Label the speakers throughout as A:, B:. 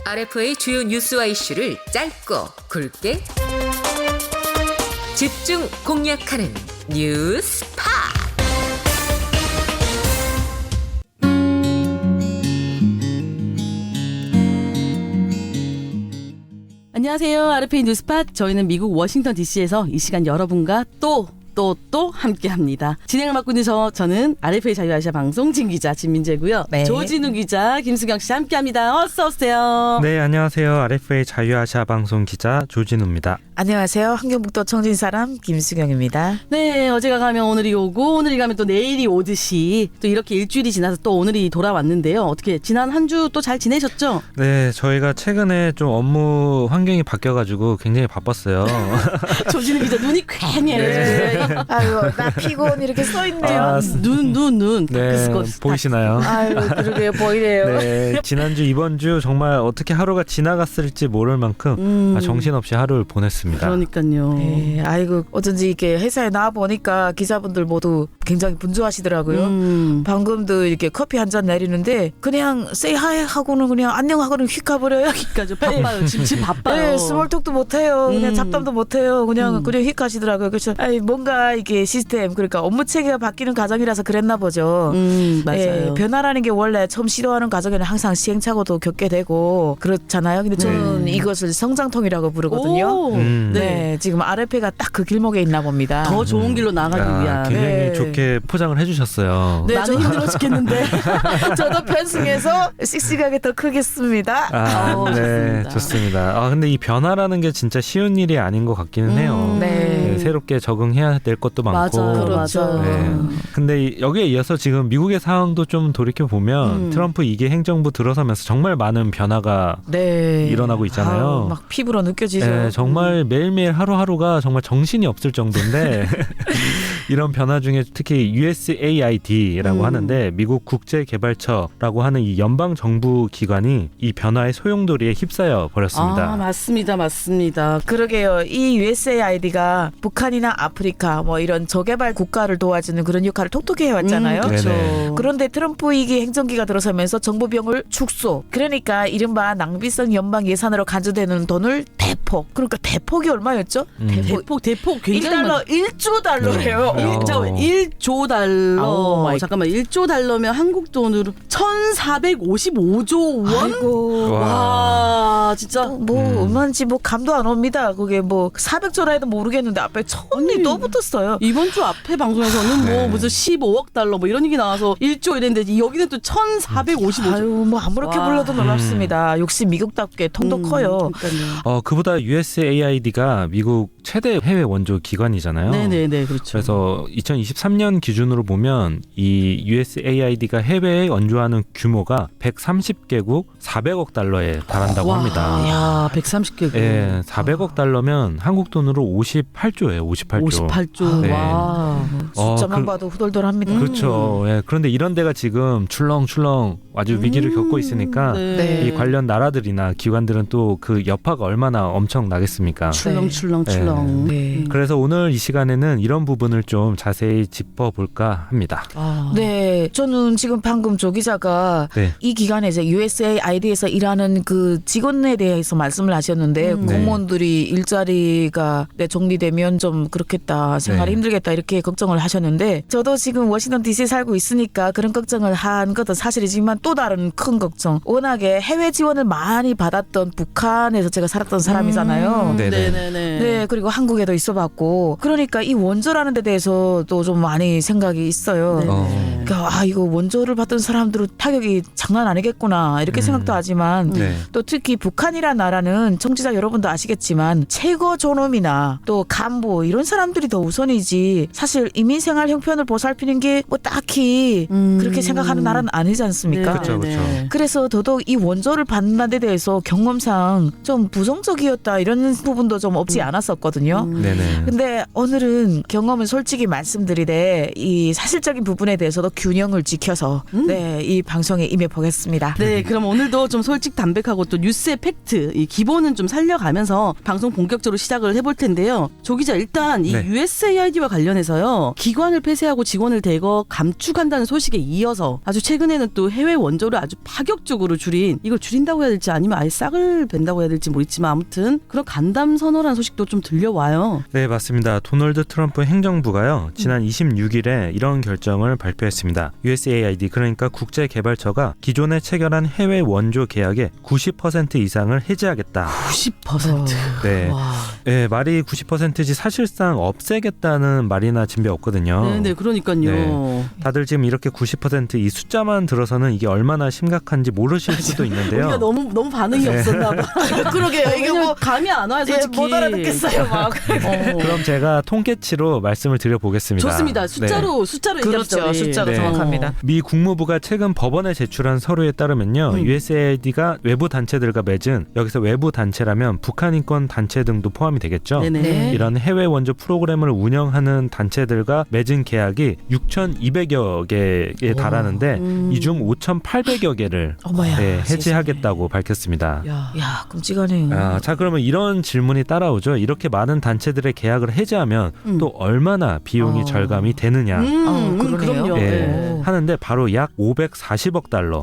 A: RF의 주요 뉴스와 이슈를 짧고 굵게 집중 공략하는 뉴스파.
B: 안녕하세요. RFA 뉴스팟. 저희는 미국 워싱턴 DC에서 이 시간 여러분과 또 함께합니다. 진행을 맡고 있는 저는 RFA 자유아시아 방송 진기자 진민재고요.
C: 네.
B: 조진우 기자, 김수경 씨 함께합니다. 어서 오세요.
D: 네, 안녕하세요. RFA 자유아시아 방송 기자 조진우입니다.
C: 안녕하세요. 환경북도 청진사람 김수경입니다.
B: 네, 어제가 가면 오늘이 오고 오늘이 가면 또 내일이 오듯이 또 이렇게 일주일이 지나서 또 오늘이 돌아왔는데요. 어떻게 지난 한 주 또 잘 지내셨죠?
D: 네, 저희가 최근에 좀 업무 환경이 바뀌어가지고 굉장히 바빴어요.
B: 조진우 기자 눈이 퀭해요.
D: 네.
C: 아유, 나 피곤 이렇게 써있네요.
D: 아,
B: 눈
D: 네, 보이시나요?
C: 아유, 그러게요. 보이네요.
D: 네, 지난주 이번 주 정말 어떻게 하루가 지나갔을지 모를 만큼 정신없이 하루를 보냈습니다.
B: 그러니까요.
C: 네, 아이고 어쩐지 이렇게 회사에 나와 보니까 기자분들 모두 굉장히 분주하시더라고요. 방금도 이렇게 커피 한 잔 내리는데 그냥 say hi 하고는 그냥 안녕하고는 휙 가버려요.
B: 그러니까 바빠요. 지금 바빠요.
C: 네, 스몰톡도 못해요. 그냥 잡담도 못해요. 그냥 휙 가시더라고요. 그래서 뭔가 이게 시스템 그러니까 업무 체계가 바뀌는 과정이라서 그랬나 보죠.
B: 맞아요.
C: 네, 변화라는 게 원래 처음 시도하는 과정에는 항상 시행착오도 겪게 되고 그렇잖아요. 근데 저는 이것을 성장통이라고 부르거든요.
B: 오,
C: 네, 지금 RF가 딱 그 길목에 있나 봅니다.
B: 더 좋은 길로 나가기 위한.
D: 굉장히
C: 네.
D: 좋게 포장을 해주셨어요.
C: 네,
B: 나는 힘들어 죽겠는데.
C: 저도 편승해서 씩씩하게 더 크겠습니다.
D: 네,
B: 좋습니다.
D: 좋습니다. 근데 이 변화라는 게 진짜 쉬운 일이 아닌 것 같기는 해요.
C: 네.
D: 네, 새롭게 적응해야 될 것도 많고.
B: 맞아,
C: 그렇죠.
D: 네. 근데 여기에 이어서 지금 미국의 상황도 좀 돌이켜 보면 트럼프 2기 행정부 들어서면서 정말 많은 변화가
C: 네.
D: 일어나고 있잖아요.
C: 아우, 막 피부로 느껴지죠.
D: 네, 정말 매일매일 하루하루가 정말 정신이 없을 정도인데 이런 변화 중에 특히 USAID라고 하는데 미국 국제개발처라고 하는 이 연방 정부 기관이 이 변화의 소용돌이에 휩싸여 버렸습니다.
B: 맞습니다.
C: 그러게요. 이 USAID가 북한이나 아프리카 뭐 이런 저개발 국가를 도와주는 그런 역할을 톡톡히 해왔잖아요.
B: 그렇죠.
D: 네네.
C: 그런데 트럼프 2기 행정기가 들어서면서 정부 비용을 축소. 그러니까 이른바 낭비성 연방 예산으로 간주되는 돈을 대폭. 그러니까 대폭이 얼마였죠?
B: 대폭 굉장히
C: 1조 달러예요.
D: 네.
B: 1조 달러.
C: 오 마이
B: 잠깐만 1조 달러면 한국 돈으로 1,455조 원?
C: 아이고.
B: 와, 진짜.
C: 뭐 얼마인지 뭐 감도 안 옵니다. 그게 뭐 400조라 해도 모르겠는데 앞에 천이 또 붙었어요.
B: 이번 주 앞에 방송에서는
D: 네.
B: 뭐 무슨 15억 달러 뭐 이런 얘기 나와서 1조 이랬는데 여기는 또 1,455조.
C: 아유 뭐 아무렇게
B: 와.
C: 불러도 놀랍습니다. 역시 미국답게 통도 커요.
B: 그러니까요.
D: 그보다 USAID가 미국 최대 해외 원조 기관이잖아요.
B: 네네네, 그렇죠.
D: 그래서 2023년 기준으로 보면 이 USAID가 해외에 원조하는 규모가 130개국 400억 달러에 달한다고 합니다.
B: 야, 130개국.
D: 예, 400억 달러면 한국 돈으로 58조예요. 58조.
B: 58조.
D: 네.
B: 와.
C: 숫자만 봐도 후덜덜합니다.
D: 그렇죠. 예, 그런데 이런 데가 지금 출렁출렁 아주 위기를 겪고 있으니까
C: 네.
D: 이 관련 나라들이나 기관들은 또 그 여파가 얼마나 엄청 나겠습니까?
B: 출렁.
C: 네.
D: 그래서 오늘 이 시간에는 이런 부분을 좀 자세히 짚어볼까 합니다.
C: 네, 저는 지금 방금 조 기자가
D: 네.
C: 이 기관에서 USAID에서 일하는 그 직원에 대해서 말씀을 하셨는데 공무원들이 일자리가 정리되면 좀 그렇겠다, 생활이
D: 네.
C: 힘들겠다 이렇게 걱정을 하셨는데 저도 지금 워싱턴 DC 살고 있으니까 그런 걱정을 한 것도 사실이지만 또 다른 큰 걱정. 워낙에 해외 지원을 많이 받았던 북한에서 제가 살았던 사람이잖아요.
D: 네네.
C: 네, 그리고 한국에도 있어봤고 그러니까 이 원조라는 데 대해서도 좀 많이 생각이 있어요.
B: 네.
C: 그러니까 이거 원조를 받던 사람들은 타격이 장난 아니겠구나 이렇게 생각도 하지만
D: 네.
C: 또 특히 북한이란 나라는 청취자 여러분도 아시겠지만 최고 존엄이나 또 간부 이런 사람들이 더 우선이지 사실 이민생활 형편을 보살피는 게 뭐 딱히 그렇게 생각하는 나라는 아니지 않습니까?
D: 그렇죠, 그렇죠.
C: 그래서 더더욱 이 원조를 받는 데 대해서 경험상 좀 부정적이었다 이런 부분도 좀 없지 않았었거든요. 있었거든요.
D: 네네.
C: 근데 오늘은 경험은 솔직히 말씀드리되 이 사실적인 부분에 대해서도 균형을 지켜서 네, 이 방송에 임해보겠습니다.
B: 네, 그럼 오늘도 좀 솔직 담백하고 또 뉴스의 팩트, 이 기본은 좀 살려가면서 방송 본격적으로 시작을 해볼 텐데요. 조 기자, 일단 이
D: 네.
B: USAID와 관련해서요. 기관을 폐쇄하고 직원을 대거 감축한다는 소식에 이어서 아주 최근에는 또 해외 원조를 아주 파격적으로 줄인, 이걸 줄인다고 해야 될지 아니면 아예 싹을 벤다고 해야 될지 모르겠지만 아무튼 그런 간담 선언한 소식도 좀 들려와요.
D: 네, 맞습니다. 도널드 트럼프 행정부가요, 지난 26일에 이런 결정을 발표했습니다. USAID, 그러니까 국제개발처가 기존에 체결한 해외 원조 계약의 90% 이상을 해지하겠다.
B: 90%.
D: 네.
C: 와.
D: 네, 말이 90%지 사실상 없애겠다는 말이나 진배 없거든요.
B: 네, 그러니까요.
D: 네. 다들 지금 이렇게 90%이 숫자만 들어서는 이게 얼마나 심각한지 모르실 수도 있는데요.
B: 우리가 너무 반응이
D: 네.
B: 없었나 봐.
C: 그러게요. 이게 뭐
B: 감이 안 와요, 솔직히.
C: 못 알아듣겠어요. 막.
D: 그럼 제가 통계치로 말씀을 드려보겠습니다.
B: 좋습니다.
D: 네.
B: 숫자로 얘기합시다.
C: 그렇죠.
B: 우리.
C: 숫자로
D: 네.
C: 정확합니다.
D: 미 국무부가 최근 법원에 제출한 서류에 따르면요, USAID가 외부 단체들과 맺은, 여기서 외부 단체라면 북한 인권 단체 등도 포함이 되겠죠.
B: 네네.
C: 네.
D: 이런 해외 원조 프로그램을 운영하는 단체들과 맺은 계약이 6,200여 개에 달하는데 이 중 5,800여 개를
C: 어머야.
D: 네, 해지하겠다고 밝혔습니다.
C: 야, 끔찍하네요.
D: 자, 그러면 이런 질문이 따라오죠. 이렇게 많은 단체들의 계약을 해지하면 또 얼마나 비용이 절감이 되느냐.
C: 그러네요.
B: 그럼요.
D: 예,
B: 네.
D: 하는데 바로 약 540억 달러.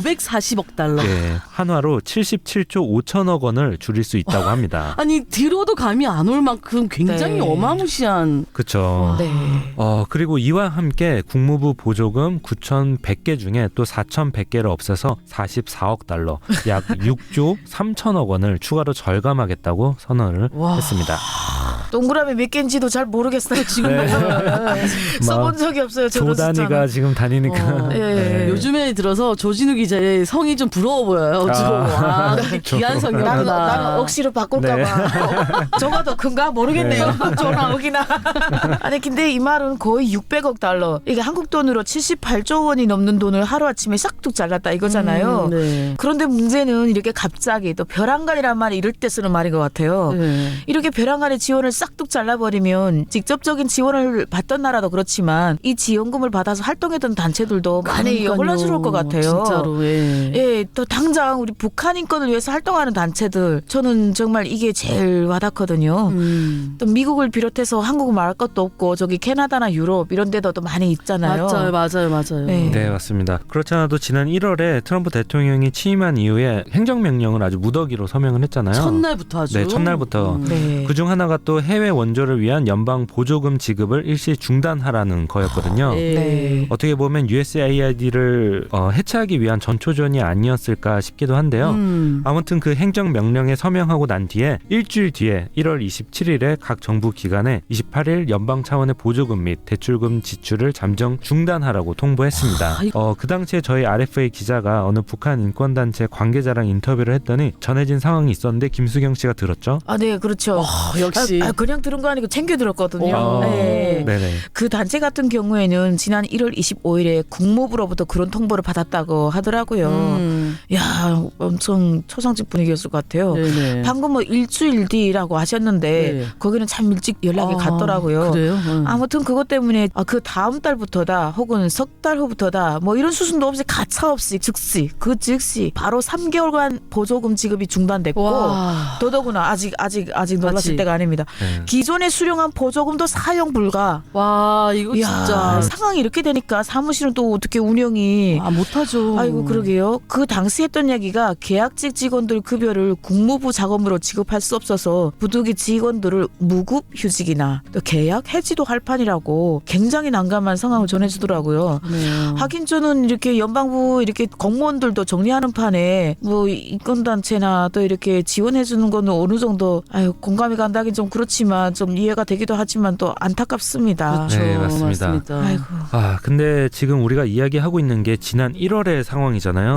B: 540억 달러.
D: 예, 한화로 77조 5천억 원을 줄일 수 있다고 합니다.
B: 아니 들어도 감이 안 올 만큼 굉장히
C: 네.
B: 어마무시한.
D: 그렇죠.
C: 네.
D: 그리고 이와 함께 국무부 보조금 9,100개 중에 또 4,100개를 없애서 44억 달러, 약 6조 3천억 원을 추가로 절감하겠다고 선언을
C: 와.
D: 했습니다.
C: 동그라미 몇 개인지도 잘 모르겠어요. 지금
D: 네.
C: 써본 적이 없어요. 저런
D: 조 단위가
C: 숫자는.
D: 지금 다니니까.
C: 예.
B: 요즘에 들어서 조진우 기자의 성이 좀 부러워 보여요. 그렇게 귀한 성이구나.
C: 나는 억지로 바꿀까봐. 저가 더 큰가 모르겠네요. 저나 억이나. 아니 근데 이 말은 거의 600억 달러. 이게 한국 돈으로 78조 원이 넘는 돈을 하루아침에 싹둑 잘랐다 이거잖아요.
B: 네.
C: 그런데 문제는 이렇게 갑자기 또 벼랑간이란 말이 이럴 때 쓰는 말인 것 같아요.
B: 네.
C: 이렇게 벼랑간의 지원을 싹둑 잘라버리면 직접적인 지원을 받던 나라도 그렇지만 이 지원금을 받아서 활동했던 단체들도 많이
B: 그러니까요.
C: 혼란스러울 것 같아요.
B: 진짜로. 예.
C: 예, 또 당장 우리 북한 인권을 위해서 활동하는 단체들 저는 정말 이게 제일 와닿거든요. 또 미국을 비롯해서 한국은 말할 것도 없고 저기 캐나다나 유럽 이런 데도 또 많이 있잖아요.
B: 맞아요.
C: 네.
D: 네, 맞습니다. 그렇지 않아도 지난 1월에 트럼프 대통령이 취임한 이후에 행정명령을 아주 무더기로 서명을 했잖아요.
B: 첫날부터 아주.
D: 네, 첫날부터.
C: 네.
D: 그중 하나가 또 해외 원조를 위한 연방 보조금 지급을 일시 중단하라는 거였거든요.
C: 네.
D: 어떻게 보면 USAID를 해체하기 위한 전초전이 아니었을까 싶기도 한데요. 아무튼 그 행정명령에 서명하고 난 뒤에 일주일 뒤에 1월 27일에 각 정부 기관에 28일 연방 차원의 보조금 및 대출금 지출을 잠정 중단하라고 통보했습니다. 그 당시에 저희 RFA 기자가 어느 북한 인권단체 관계자랑 인터뷰를 했더니 전해진 상황이 있었는데 김수경 씨가 들었죠?
C: 아, 네, 그렇죠.
B: 역시.
C: 그냥 들은 거 아니고 챙겨 들었거든요. 네.
D: 네네.
C: 그 단체 같은 경우에는 지난 1월 25일에 국무부로부터 그런 통보를 받았다고 하더라고요. 야, 엄청 초상집 분위기였을 것 같아요.
B: 네네.
C: 방금 뭐 일주일 뒤라고 하셨는데
B: 네.
C: 거기는 참 일찍 연락이 갔더라고요.
B: 그래요?
C: 아무튼 그것 때문에 그 다음 달부터다 혹은 석 달 후부터다 뭐 이런 수순도 없이 가차없이 즉시 바로 3개월간 보조금 지급이 중단됐고
B: 와.
C: 더더구나 아직 놀랐을
B: 맞지.
C: 때가 아닙니다.
D: 네.
C: 기존에 수령한 보조금도 사용 불가.
B: 와, 이거
C: 이야,
B: 진짜.
C: 상황이 이렇게 되니까 사무실은 또 어떻게 운영이
B: 못하죠.
C: 아이고 그러게요. 그 당시 했던 얘기가 계약직 직원들 급여를 국무부 자금으로 지급할 수 없어서 부득이 직원들을 무급 휴직이나 또 계약 해지도 할 판이라고 굉장히 난감한 상황을 전해주더라고요.
B: 네.
C: 하긴 저는 이렇게 연방부 이렇게 공무원들도 정리하는 판에 뭐 인권단체나 또 이렇게 지원해주는 거는 어느 정도 공감이 간다긴 좀 그렇지만 좀 이해가 되기도 하지만 또 안타깝습니다.
B: 그렇죠.
D: 네, 맞습니다.
C: 아이고.
D: 근데 지금 우리가 이야기하고 있는 게 지난 1월의 상황이잖아요.
B: 네네.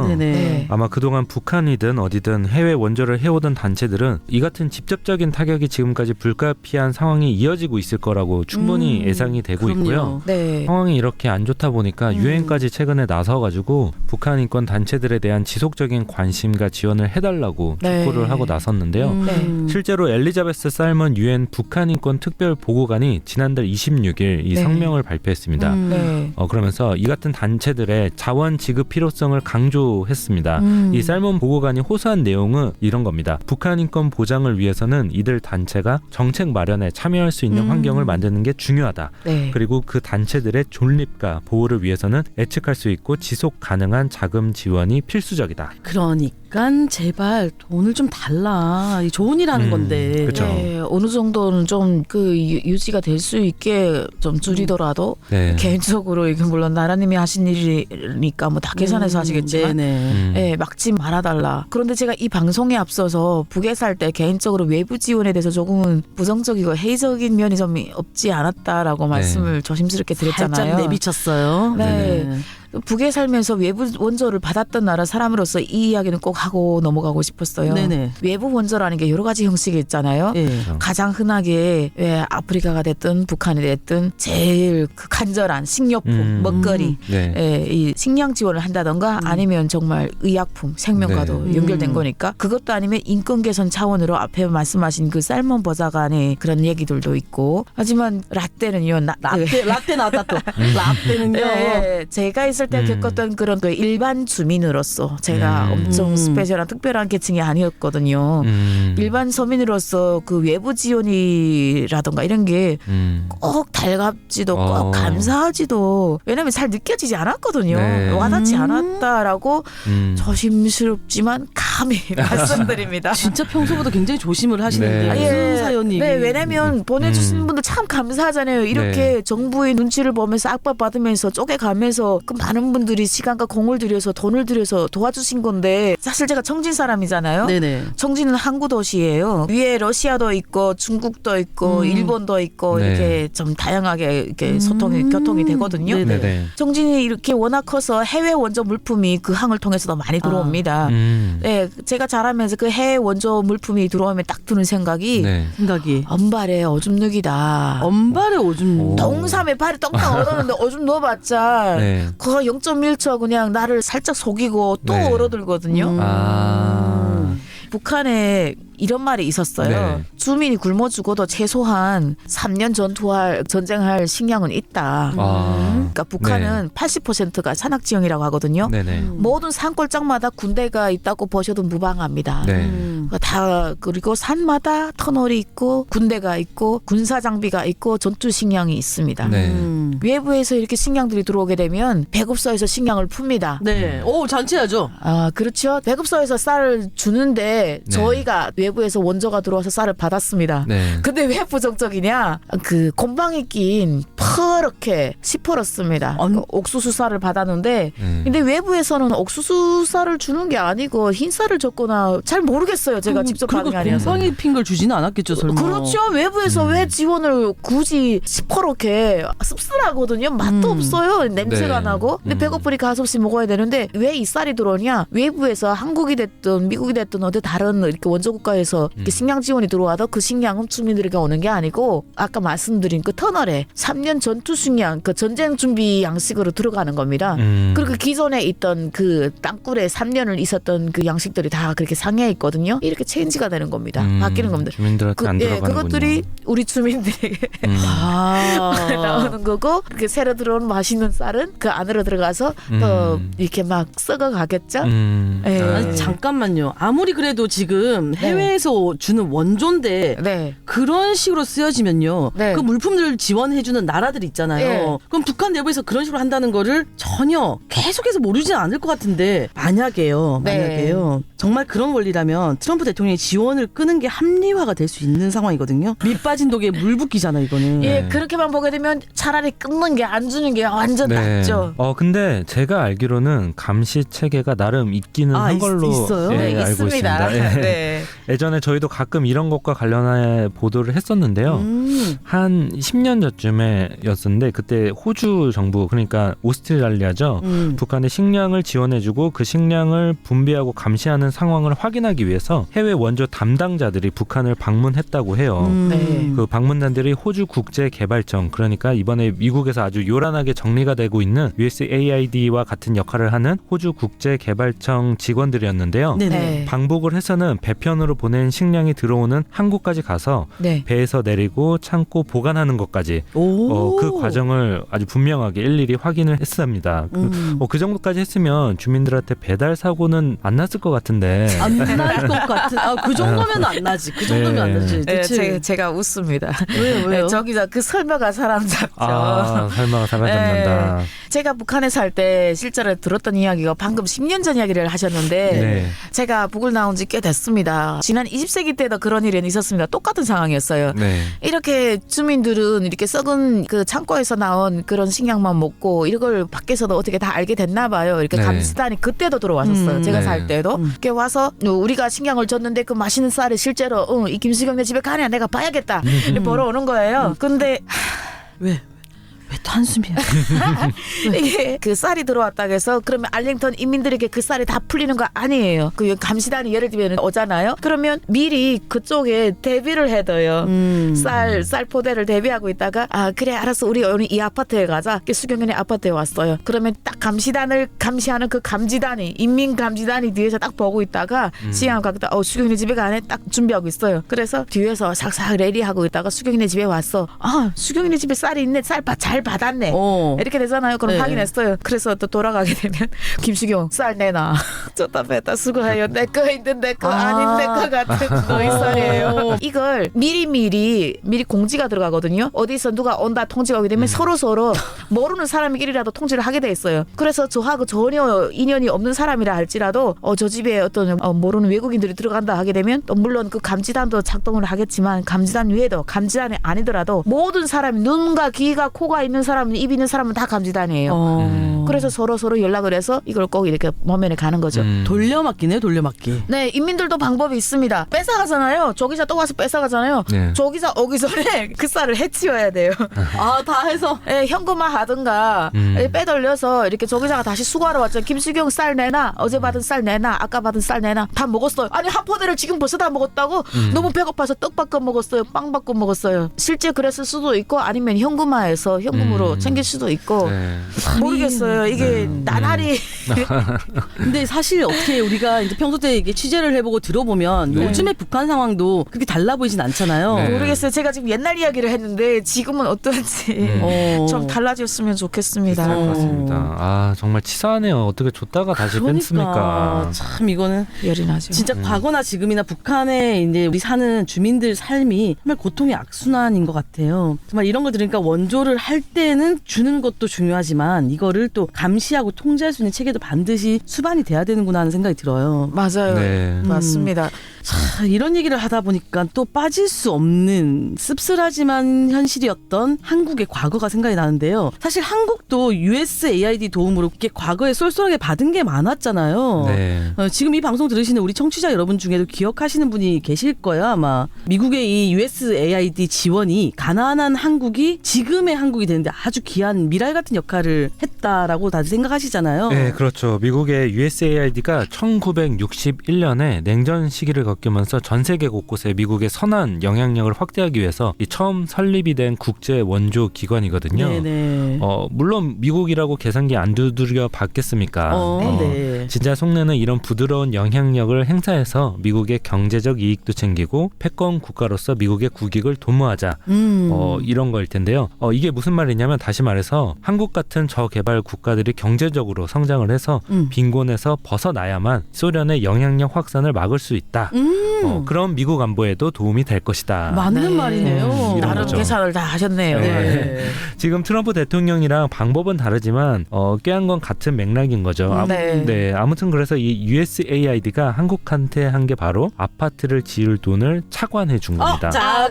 C: 네.
D: 아마 그동안 북한이든 어디든 해외 원조를 해오던 단체들은 이 같은 직접적인 타격이 지금까지 불가피한 상황이 이어지고 있을 거라고 충분히 예상이 되고
B: 그럼요.
D: 있고요.
C: 네.
D: 상황이 이렇게 안 좋다 보니까 유엔까지 최근에 나서가지고 북한 인권 단체들에 대한 지속적인 관심과 지원을 해달라고
C: 네.
D: 촉구를 하고 나섰는데요.
C: 네.
D: 실제로 엘리자베스 살먼 유엔 북한 인권 특별 보고관이 지난달 26일 이
C: 네.
D: 성명을 발표했습니다.
C: 네.
D: 그러면서 이 같은 단체들의 자원 지급 필요성을 강조했습니다. 이 살몬 보고관이 호소한 내용은 이런 겁니다. 북한 인권 보장을 위해서는 이들 단체가 정책 마련에 참여할 수 있는 환경을 만드는 게 중요하다.
C: 네.
D: 그리고 그 단체들의 존립과 보호를 위해서는 예측할 수 있고 지속 가능한 자금 지원이 필수적이다.
B: 그러니까 제발 돈을 좀 달라. 이 좋은 일 하는 건데.
D: 그쵸.
C: 네, 어느 정도는 좀 그 유지가 될 수 있게 좀 줄이더라도
D: 네.
C: 개인적으로 이게 물론 나라님이 하신 일이니까 뭐 다 계산해서 하시겠지만
B: 네네.
C: 네, 막지 말아달라. 그런데 제가 이 방송에 앞서서 북에 살 때 개인적으로 외부 지원에 대해서 조금은 부정적이고 회의적인 면이 좀 없지 않았다라고 말씀을 조심스럽게 드렸잖아요.
B: 살짝 내비쳤어요.
C: 네. 북에 살면서 외부 원조를 받았던 나라 사람으로서 이 이야기는 꼭 하고 넘어가고 싶었어요.
B: 네네.
C: 외부 원조라는 게 여러 가지 형식이 있잖아요.
B: 예.
C: 가장 흔하게 왜 아프리카가 됐든 북한이 됐든 제일 그 간절한 식료품, 먹거리,
D: 네.
C: 예, 이 식량 지원을 한다던가 아니면 정말 의약품, 생명과도
D: 네.
C: 연결된 거니까 그것도 아니면 인권 개선 차원으로 앞에 말씀하신 그 살몬 보좌관의 그런 얘기들도 있고 하지만 라떼는요.
B: 라떼 나왔다 또. 라떼는요.
C: 예, 제가 있을 때 겪었던 그런 그 일반 주민으로서 제가 엄청 스페셜한 특별한 계층이 아니었거든요. 일반 서민으로서 그 외부 지원이라던가 이런 게 꼭 달갑지도 꼭 감사하지도 왜냐면 잘 느껴지지 않았거든요.
D: 네.
C: 와닿지 않았다라고 조심스럽지만 감히 말씀드립니다.
B: 진짜 평소보다 굉장히 조심을 하시는데
D: 네.
B: 무슨 사연이?
C: 네, 왜냐면 보내주시는 분들 참 감사하잖아요. 이렇게 정부의 눈치를 보면서 압박받으면서 쪼개가면서 그 많은 분들이 시간과 공을 들여서 돈을 들여서 도와주신 건데 사실 제가 청진 사람이잖아요.
B: 네네.
C: 청진은 항구 도시예요. 위에 러시아도 있고 중국도 있고 일본도 있고
D: 네.
C: 이렇게 좀 다양하게 이렇게 소통이 교통이 되거든요.
B: 네네.
D: 네네.
C: 청진이 이렇게 워낙 커서 해외 원조 물품이 그 항을 통해서도 많이 들어옵니다. 네, 제가 자라면서 그 해외 원조 물품이 들어오면 딱 드는 생각이
D: 네.
B: 생각이
C: 엄발에 오줌 누기다.
B: 엄발에 오줌.
D: 오.
C: 동삼에 발이 똥땅 얼었는데 오줌 넣어봤자
D: 네.
C: 그거 0.1초 그냥 나를 살짝 속이고 또
D: 네.
C: 얼어들거든요.
D: 아.
C: 북한에 이런 말이 있었어요.
D: 네.
C: 주민이 굶어 죽어도 최소한 3년 전쟁할 식량은 있다. 그러니까 북한은 80%가 산악 지형이라고 하거든요.
D: 네네.
C: 모든 산골짜기마다 군대가 있다고 보셔도 무방합니다.
D: 네.
C: 다 그리고 산마다 터널이 있고 군대가 있고 군사 장비가 있고 전투 식량이 있습니다.
D: 네.
C: 외부에서 이렇게 식량들이 들어오게 되면 배급소에서 식량을 풉니다.
B: 네. 오 잔치하죠.
C: 아 그렇죠. 배급소에서 쌀을 주는데 저희가 외부에서 원조가 들어와서 쌀을 받았습니다.
D: 네.
C: 근데 왜 부정적이냐? 그 곰팡이 낀 퍼렇게 시퍼렇습니다. 그 옥수수 쌀을 받았는데 근데 외부에서는 옥수수 쌀을 주는 게 아니고 흰 쌀을 줬거나 잘 모르겠어요. 제가 직접 받은 게 아니어서.
B: 곰팡이 핀 걸 주지는 않았겠죠, 설마.
C: 그렇죠. 외부에서 왜 지원을 굳이 시퍼렇게 씁쓸하거든요. 맛도 없어요. 냄새가
D: 네.
C: 나고. 근데 배고프니까 가섭씨 먹어야 되는데 왜 이 쌀이 들어오냐? 외부에서 한국이 됐든 미국이 됐든 어디 다른 이렇게 원조 국가에서 이렇게 식량 지원이 들어와도 그 식량은 주민들에게 오는 게 아니고 아까 말씀드린 그 터널에 3년 전투 식량, 그 전쟁 준비 양식으로 들어가는 겁니다. 그리고 기존에 있던 그 땅굴에 3년을 있었던 그 양식들이 다 그렇게 상해 있거든요. 이렇게 체인지가 되는 겁니다. 바뀌는 겁니다.
D: 주민들한테 안 들어가는군요.
C: 그것들이 우리 주민들에게 나오는 거고 그렇게 새로 들어온 맛있는 쌀은 그 안으로 들어가서 또 이렇게 막 썩어가겠죠. 예.
B: 아니, 잠깐만요. 아무리 그래도 지금 해외에서 주는 원조인데
C: 네.
B: 그런 식으로 쓰여지면요.
C: 네.
B: 그 물품들을 지원해주는 나라들 있잖아요.
C: 네.
B: 그럼 북한 내부에서 그런 식으로 한다는 거를 전혀 계속해서 모르지는 않을 것 같은데 만약에요. 정말 그런 원리라면 트럼프 대통령이 지원을 끄는 게 합리화가 될 수 있는 상황이거든요. 밑 빠진 독에 물 붓기잖아 이거는.
C: 예, 그렇게만 보게 되면 차라리 끊는 게 안 주는 게 완전
D: 네.
C: 낫죠.
D: 근데 제가 알기로는 감시 체계가 나름 있기는 한 걸로
B: 있어요?
D: 예,
C: 네,
D: 알고
C: 있습니다.
D: 있습니다. 예.
C: 네.
D: 예전에 저희도 가끔 이런 것과 관련해 보도를 했었는데요. 한 10년 전쯤에였었는데 그때 호주 정부 그러니까 오스트레일리아죠. 북한의 식량을 지원해주고 그 식량을 분배하고 감시하는 상황을 확인하기 위해서 해외 원조 담당자들이 북한을 방문했다고 해요.
C: 네.
D: 그 방문단들이 호주 국제개발청 그러니까 이번에 미국에서 아주 요란하게 정리가 되고 있는 USAID와 같은 역할을 하는 호주 국제개발청 직원들이었는데요.
B: 네네.
C: 네.
D: 방북을 해서는 배편으로 보낸 식량이 들어오는 한국까지 가서
C: 네.
D: 배에서 내리고 참고 보관하는 것까지
B: 오.
D: 그 과정을 아주 분명하게 일일이 확인을 했습니다. 그 정도까지 했으면 주민들한테 배달 사고는 안 났을 것 같은데.
B: 안 날 것 같은. 그 정도면 안 나지. 그 정도면
D: 네.
B: 안 나지.
C: 네,
B: 대체
C: 제가 웃습니다.
B: 왜요?
C: 네, 저기서 그 설마가 사람 잡죠.
D: 설마 사람 잡는다.
C: 제가 북한에 살 때 실제로 들었던 이야기가 방금 10년 전 이야기를 하셨는데
D: 네.
C: 제가 북을 나온 지 꽤 됐습니다. 지난 20세기 때도 그런 일은 있었습니다. 똑같은 상황이었어요.
D: 네.
C: 이렇게 주민들은 이렇게 썩은 그 창고에서 나온 그런 식량만 먹고 이걸 밖에서도 어떻게 다 알게 됐나 봐요. 이렇게
D: 네.
C: 감시단이 그때도 들어왔었어요. 제가
D: 네.
C: 살 때도. 이렇게 와서 우리가 식량을 줬는데 그 맛있는 쌀이 실제로 이 김수경네 집에 가냐 내가 봐야겠다. 이렇게 보러 오는 거예요. 근데
B: 왜 또 한숨이야?
C: 이게 그 쌀이 들어왔다고 해서 그러면 알링턴 인민들에게 그 쌀이 다 풀리는 거 아니에요. 그 감시단이 예를 들면 오잖아요. 그러면 미리 그쪽에 대비를 해둬요. 쌀 포대를 대비하고 있다가 그래 알았어 우리 오늘 이 아파트에 가자. 수경연의 아파트에 왔어요. 그러면 딱 감시단을 감시하는 그 감지단이 인민 감지단이 뒤에서 딱 보고 있다가 시간 가다 수경연의 집에 가네 딱 준비하고 있어요. 그래서 뒤에서 싹싹 레디하고 있다가 수경연의 집에 왔어. 수경연의 집에 쌀이 있네. 쌀 잘 받았네. 이렇게 되잖아요. 그럼
B: 네.
C: 확인했어요. 그래서 또 돌아가게 되면 김수경 쌀 내놔. 줬다 뺐다 수고해요. 내 거 있는 내 거 아닌 내 거 같은 너희 쌀이에요. 이걸 미리 공지가 들어가거든요. 어디서 누가 온다 통지가 오게 되면 서로 모르는 사람끼리라도 통지를 하게 돼 있어요. 그래서 저하고 전혀 인연이 없는 사람이라 할지라도 저 집에 어떤 모르는 외국인들이 들어간다 하게 되면 또 물론 그 감지단도 작동을 하겠지만 감지단 외에도 감지단이 아니더라도 모든 사람이 눈과 귀가 코가 있는 사람은 입 있는 사람은 다 감지단이에요. 그래서 서로 연락을 해서 이걸 꼭 이렇게 모면에 가는 거죠.
B: 돌려막기네요, 돌려막기.
C: 네, 인민들도 방법이 있습니다. 뺏어가잖아요. 저기서 또 와서 뺏어가잖아요.
D: 네.
C: 저기서 오기 전에 그 쌀을 해치워야 돼요.
B: 다 해서.
C: 네, 현금화 하든가 빼돌려서 이렇게 저기다가 다시 수거하러 왔죠. 김수경 쌀 내놔. 어제 받은 쌀 내놔. 아까 받은 쌀 내놔. 다 먹었어요. 아니 한 포대를 지금 벌써 다 먹었다고? 너무 배고파서 떡 바꿔 먹었어요. 빵 바꿔 먹었어요. 실제 그랬을 수도 있고 아니면 현금화해서 현금으로 챙길 수도 있고
D: 네.
C: 모르겠어요. 이게 나날이
B: 근데 사실 어떻게 우리가 이제 평소 때 이게 취재를 해보고 들어보면
D: 네.
B: 요즘의 북한 상황도 그렇게 달라 보이진 않잖아요.
D: 네.
C: 모르겠어요. 제가 지금 옛날 이야기를 했는데 지금은 어떤지 좀 달라졌으면 좋겠습니다.
D: 그렇습니다. 정말 치사하네요. 어떻게 줬다가 다시 뺐습니까?
B: 참 이거는
C: 열이 나죠.
B: 진짜 과거나 지금이나 북한에 이제 우리 사는 주민들 삶이 정말 고통의 악순환인 것 같아요. 정말 이런 걸 들으니까 원조를 할 때는 주는 것도 중요하지만 이거를 또 감시하고 통제할 수 있는 체계도 반드시 수반이 돼야 되는구나 하는 생각이 들어요.
C: 맞아요.
D: 네.
C: 맞습니다.
B: 이런 얘기를 하다 보니까 또 빠질 수 없는 씁쓸하지만 현실이었던 한국의 과거가 생각이 나는데요. 사실 한국도 USAID 도움으로 이렇게 과거에 쏠쏠하게 받은 게 많았잖아요.
D: 네.
B: 지금 이 방송 들으시는 우리 청취자 여러분 중에도 기억하시는 분이 계실 거예요, 아마. 미국의 이 USAID 지원이 가난한 한국이 지금의 한국이 되는데 아주 귀한 미랄 같은 역할을 했다라고 다들 생각하시잖아요.
D: 네, 그렇죠. 미국의 USAID가 1961년에 냉전 시기를 겪으면서 전 세계 곳곳에 미국의 선한 영향력을 확대하기 위해서 처음 설립이 된 국제 원조 기관이거든요.
B: 네네.
D: 물론 미국이라고 계산기 안 두드려 봤겠습니까?
B: 네.
D: 진짜 속내는 이런 부드러운 영향력을 행사해서 미국의 경제적 이익도 챙기고 패권 국가로서 미국의 국익을 도모하자. 이런 거일 텐데요. 이게 무슨 말이냐면 다시 말해서 한국 같은 저개발 국가들이 경제적으로 성장을 해서 빈곤에서 벗어나야만 소련의 영향력 확산을 막을 수 있다. 그런 미국 안보에도 도움이 될 것이다.
B: 맞는
C: 네.
B: 말이네요.
D: 이런
C: 나름
D: 거죠.
C: 계산을 다 하셨네요.
B: 네.
D: 지금 트럼프 대통령이랑 방법은 다르지만 꾀한 건 같은 맥락인 거죠.
C: 네.
D: 아무튼 그래서 이 USAID가 한국한테 한 게 바로 아파트를 지을 돈을 차관해 준 겁니다.
B: 자,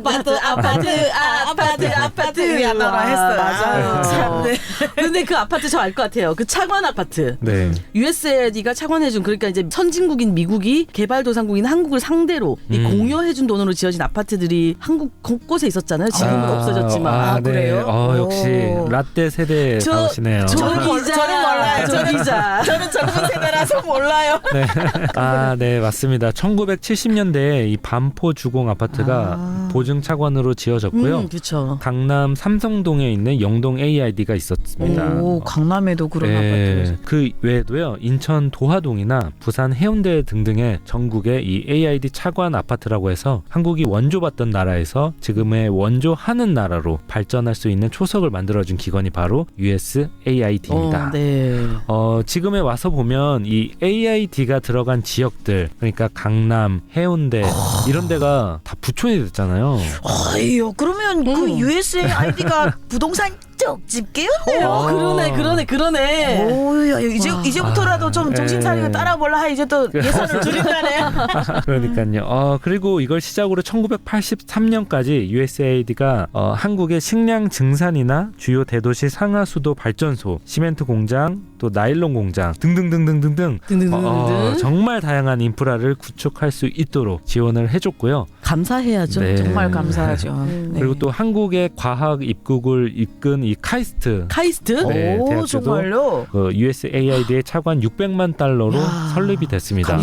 B: 아파트.
C: 야, 나라 했어요.
B: 맞아요.
C: 참, 네.
B: 근데 그 아파트 저 알 것 같아요. 그 차관 아파트.
D: 네.
B: USAID가 차관해준 그러니까 이제 선진국인 미국이 개발도상국인 한국을 상대로 이 공여해준 돈으로 지어진 아파트들이 한국 곳곳에 있었잖아요. 지금은 없어졌지만.
C: 그래요?
D: 역시
C: 오.
D: 라떼 세대 나오시네요.
B: 저 기자.
C: 저는 몰라요.
B: 저 기자.
C: 저는 젊은 세대라서 몰라요.
D: 네, 맞습니다. 1970년대에 이 반포 주공 아파트가 보증 차관으로 지어졌고요.
B: 그렇죠.
D: 강남 삼성동에 있는 영동 AID가 있었습니다.
C: 오, 강남에도 그런
D: 네,
C: 아파트.
D: 그 외에도요 인천 도하동이나 부산 해운대 등등의 전국의 이 AID 차관 아파트라고 해서 한국이 원조받던 나라에서 지금의 원조하는 나라로 발전할 수 있는 초석을 만들어준 기관이 바로 USAID입니다.
B: 네.
D: 지금에 와서 보면 이 AID가 들어간 지역들 그러니까 강남, 해운대 이런 데가 다 부촌이 됐잖아요.
C: 아유, 그러면 그 USAID가 부동산 쪽 집게였네요.
B: 그러네.
C: 오야, 이제부터라도 좀 정신 차리고
D: 네.
C: 따라볼라. 이제 또 예산을 줄인다네요.
D: 그러니까요. 그리고 이걸 시작으로 1983년까지 USAID가 한국의 식량 증산이나 주요 대도시 상하수도 발전소, 시멘트 공장, 또 나일론 공장 등등등등등등 정말 다양한 인프라를 구축할 수 있도록 지원을 해줬고요.
B: 감사해야죠.
D: 네.
C: 정말 감사하죠. 네.
D: 그리고 또 한국의 과학 입국을 이끈 이 카이스트
B: 카이스트?
D: 네,
C: 오,
D: 대학교도
C: 정말요?
D: USAID의 차관 600만 달러로
C: 야,
D: 설립이 됐습니다.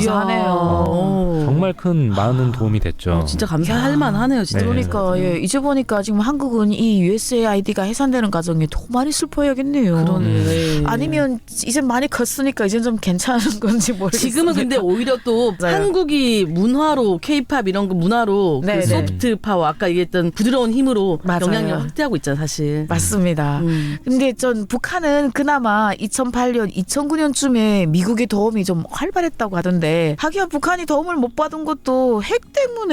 C: 감사하네요.
D: 정말 큰 많은 도움이 됐죠.
B: 진짜 감사할 만하네요. 진짜.
D: 네.
C: 그러니까 이제 보니까 지금 한국은 이 USAID가 해산되는 과정에 더 많이 슬퍼야겠네요.
B: 그러네.
C: 아니면 이제 많이 컸으니까 이제 좀 괜찮은 건지 모르겠어요.
B: 지금은 근데 오히려 또
C: 맞아요.
B: 한국이 문화로 K-팝 이런 거 문화로
C: 네,
B: 그
C: 네.
B: 소프트 파워 아까 얘기했던 부드러운 힘으로
C: 맞아요.
B: 영향력 확대하고 있잖아요, 사실.
C: 맞습니다. 근데 전 북한은 그나마 2008년, 2009년쯤에 미국의 도움이 좀 활발했다고 하던데 하기야 북한이 도움을 못 받은 것도 핵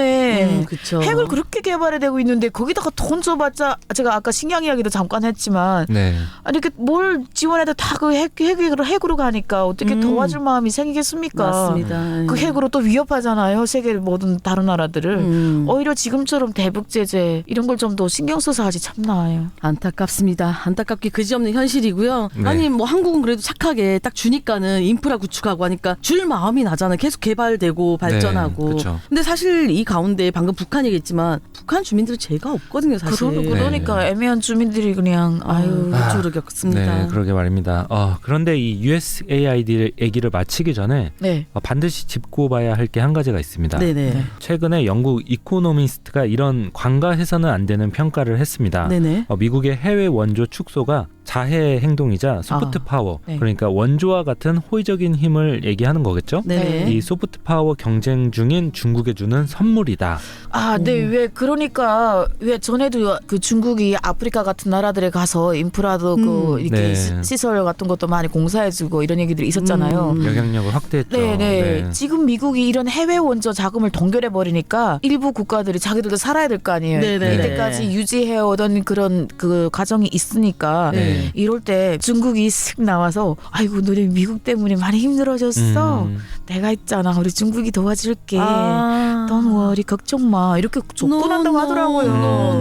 C: 때문에
B: 그렇죠.
C: 핵을 그렇게 개발해 되고 있는데 거기다가 돈 줘봤자 제가 아까 식량 이야기도 잠깐 했지만
D: 네.
C: 아니 이렇게 뭘 지원해도 다 그 핵으로 가니까 어떻게 도와줄 마음이 생기겠습니까?
B: 맞습니다.
C: 그 핵으로 또 위협하잖아요. 세계 모든 다른 나라들을. 오히려 지금처럼 대북 제재 이런 걸 좀 더 신경 써서 하지 참 나아요.
B: 안타깝습니다. 안타깝게 그지없는 현실이고요.
D: 네.
B: 아니 뭐 한국은 그래도 착하게 딱 주니까는 인프라 구축하고 하니까 줄 마음이 나잖아요. 계속 개발되고 발전하고.
D: 그쵸.
B: 근데 사실 이 가운데 방금 북한 얘기했지만 북한 주민들은 죄가 없거든요, 사실.
C: 그러니까 애매한 주민들이 그냥 아유.
B: 우주를 겪습니다.
D: 네, 그러게 말입니다. 그런데 이 USAID 얘기를 마치기 전에
C: 네.
D: 반드시 짚고 봐야 할 게 한 가지가 있습니다.
B: 네네.
D: 최근에 영국 이코노미스트가 이런 관가해서는 안 되는 평가를 했습니다.
B: 네네.
D: 미국의 해외 원조 축소가 자해 행동이자 소프트 파워,
C: 네.
D: 그러니까 원조와 같은 호의적인 힘을 얘기하는 거겠죠?
B: 네네.
D: 이 소프트 파워 경쟁 중인 중국에 주는 선물이다.
C: 네. 왜 그러니까 왜 전에도 그 중국이 아프리카 같은 나라들에 가서 인프라도 그 이렇게
D: 네.
C: 시설 같은 것도 많이 공사해주고 이런 얘기들이 있었잖아요.
D: 영향력을 확대했죠.
C: 네. 지금 미국이 이런 해외 원조 자금을 동결해 버리니까 일부 국가들이 자기들도 살아야 될 거 아니에요.
B: 네네.
C: 이때까지 유지해 오던 그런 그 과정이 있으니까
D: 네.
C: 이럴 때 중국이 슥 나와서 아이고 너네 미국 때문에 많이 힘들어졌어. 내가 있잖아. 우리 중국이 도와줄게. Don't worry, 걱정 마. 이렇게 조건한다고 하더라고요.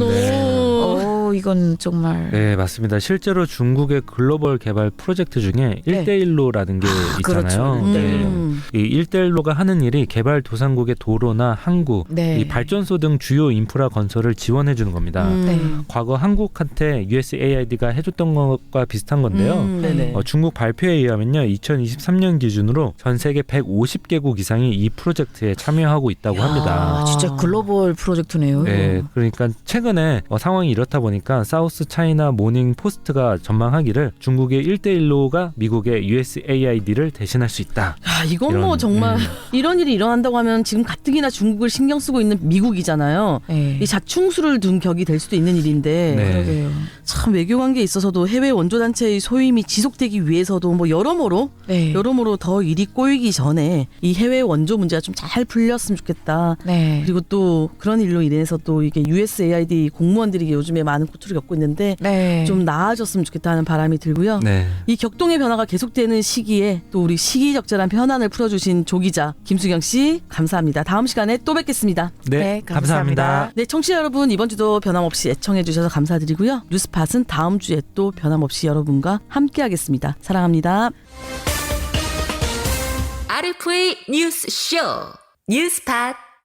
C: 이건 정말.
D: 네, 맞습니다. 실제로 중국의 글로벌 개발 프로젝트 중에 1대1로라는 게 있잖아요.
C: 그렇죠.
D: 이 1대1로가 하는 일이 개발 도상국의 도로나 항구,
C: 네.
D: 이 발전소 등 주요 인프라 건설을 지원해 주는 겁니다.
C: 네.
D: 과거 한국한테 USAID가 해줬던 것과 비슷한 건데요.
B: 네네.
D: 중국 발표에 의하면요, 2023년 기준으로 전 세계 150개국 이상이 이 프로젝트에 참여하고 있다고 합니다.
C: 진짜 글로벌 프로젝트네요.
D: 네, 그러니까 최근에 상황이 이렇다 보니까 나니까 사우스 차이나 모닝 포스트가 전망하기를 중국의 1대1로가 미국의 USAID를 대신할 수 있다.
B: 야, 이건
D: 이런,
B: 뭐 정말 이런 일이 일어난다고 하면 지금 가뜩이나 중국을 신경 쓰고 있는 미국이잖아요.
C: 네.
B: 이 자충수를 둔 격이 될 수도 있는 일인데
D: 네.
C: 그러게요.
B: 참 외교 관계에 있어서도 해외 원조단체의 소임이 지속되기 위해서도 뭐 여러모로
C: 네.
B: 더 일이 꼬이기 전에 이 해외 원조 문제가 좀 잘 풀렸으면 좋겠다.
C: 네.
B: 그리고 또 그런 일로 인해서 또 이게 USAID 공무원들이 요즘에 많은 고통을 겪고 있는데
C: 네.
B: 좀 나아졌으면 좋겠다 하는 바람이 들고요.
D: 네.
B: 이 격동의 변화가 계속되는 시기에 또 우리 시기적절한 현안을 풀어주신 조 기자 김수경 씨 감사합니다. 다음 시간에 또 뵙겠습니다.
D: 네,
C: 네,
D: 감사합니다.
C: 감사합니다.
B: 네, 청취자 여러분 이번 주도 변함없이 애청해 주셔서 감사드리고요. 뉴스팟은 다음 주에 또 변함없이 여러분과 함께하겠습니다. 사랑합니다.
A: RFA 뉴스쇼 뉴스팟